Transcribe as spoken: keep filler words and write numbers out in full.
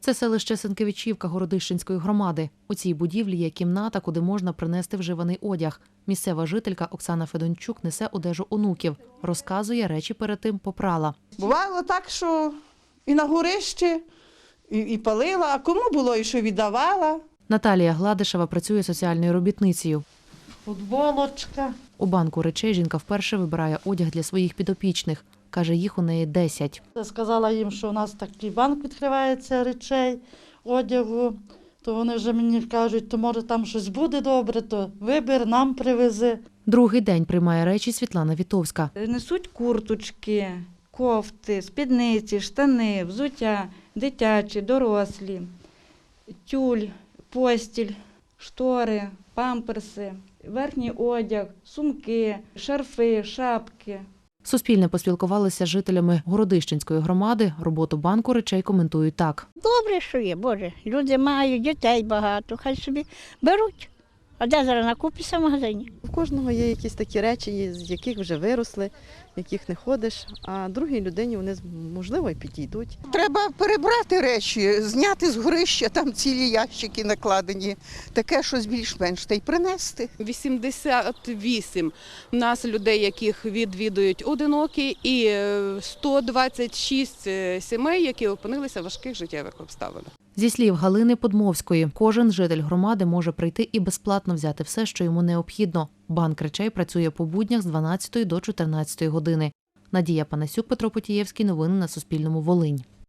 Це селище Сенкевичівка Городищенської громади. У цій будівлі є кімната, куди можна принести вживаний одяг. Місцева жителька Оксана Федончук несе одежу онуків. Розказує, речі перед тим попрала. Бувало так, що і на горищі, і, і палила, а кому було і що віддавала. Наталія Гладишева працює соціальною робітницею. Футболочка. У банку речей жінка вперше вибирає одяг для своїх підопічних. Каже, їх у неї десять. Я сказала їм, що у нас такий банк відкривається речей, одягу. То вони вже мені кажуть, то може там щось буде добре, то вибір, нам привези. Другий день приймає речі Світлана Вітовська. Несуть курточки, кофти, спідниці, штани, взуття, дитячі, дорослі, тюль, постіль, штори, памперси, верхній одяг, сумки, шарфи, шапки. Суспільне поспілкувалося з жителями Городищенської громади. Роботу банку речей коментують так. Добре, що є, Боже. Люди мають, дітей багато, хай собі беруть. А де зараз накупишся в магазині? У кожного є якісь такі речі, з яких вже виросли, яких не ходиш, а другій людині вони, можливо, і підійдуть. Треба перебрати речі, зняти з горища, там цілі ящики накладені, таке щось більш-менш, та й принести. вісімдесят вісім у нас людей, яких відвідують одинокі, і сто двадцять шість сімей, які опинилися в важких життєвих обставинах. Зі слів Галини Подмовської, кожен житель громади може прийти і безплатно взяти все, що йому необхідно. Банк речей працює по буднях з дванадцятої до чотирнадцятої години. Надія Панасюк, Петро Потієвський. Новини на Суспільному. Волинь.